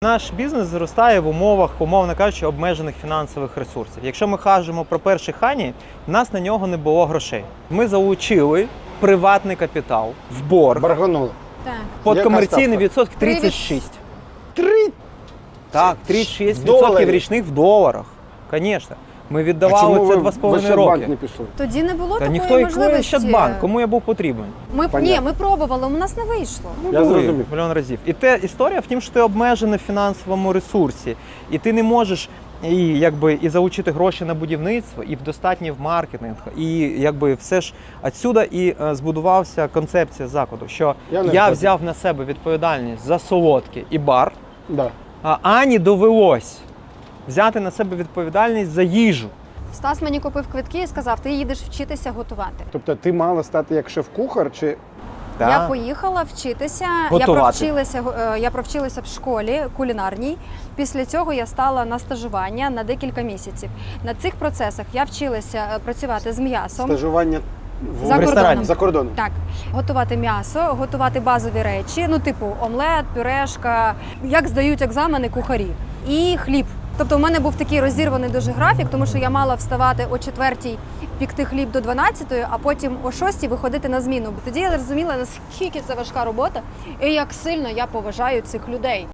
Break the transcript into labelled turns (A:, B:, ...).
A: Наш бізнес зростає в умовах, умовно кажучи, обмежених фінансових ресурсів. Якщо ми кажемо про перший хані, в нас на нього не було грошей. Ми залучили приватний капітал в борг.
B: Барганули.
C: Так.
A: Під
B: Яка
A: комерційний
B: ставка?
A: відсоток 36.
B: 3?
A: Так, 36%
B: доларів?
A: річних в доларах. Звісно. Ми
B: А
A: віддавали
B: чому
A: це
B: ви в
A: 2,5
B: Ощадбанк
A: роки.
B: не пішли?
C: Тоді не було
A: Та
C: такої
A: ніхто і
C: можливості.
A: Ощадбанк, кому я був потрібен.
B: Понятно.
C: Ми пробували, у нас не вийшло.
B: Я
A: Були
B: зрозумів.
A: мільйон разів. І те історія в тім, що ти обмежений в фінансовому ресурсі, і ти не можеш і залучити гроші на будівництво, і в достатній в маркетинг, і все ж відсюди і збудувався концепція закладу, що
B: Я не
A: я
B: проти.
A: взяв на себе відповідальність за солодкі і бар,
B: Да.
A: а Ані довелось взяти на себе відповідальність за їжу.
C: Стас мені купив квитки і сказав, ти їдеш вчитися готувати.
B: Тобто ти мала стати як шеф-кухар чи
C: Я поїхала вчитися,
A: Готувати.
C: я провчилася в школі кулінарній. Після цього я стала на стажування на декілька місяців. На цих процесах я вчилася працювати з м'ясом.
B: стажування
C: За кордоном.
B: За кордоном.
C: Так, готувати м'ясо, готувати базові речі, типу омлет, пюрешка, як здають екзамени кухарі. І хліб. Тобто у мене був такий розірваний дуже графік, тому що я мала вставати о 4-й, пікти хліб до 12-ї, а потім о 6-й виходити на зміну. Бо тоді я зрозуміла, наскільки це важка робота і як сильно я поважаю цих людей.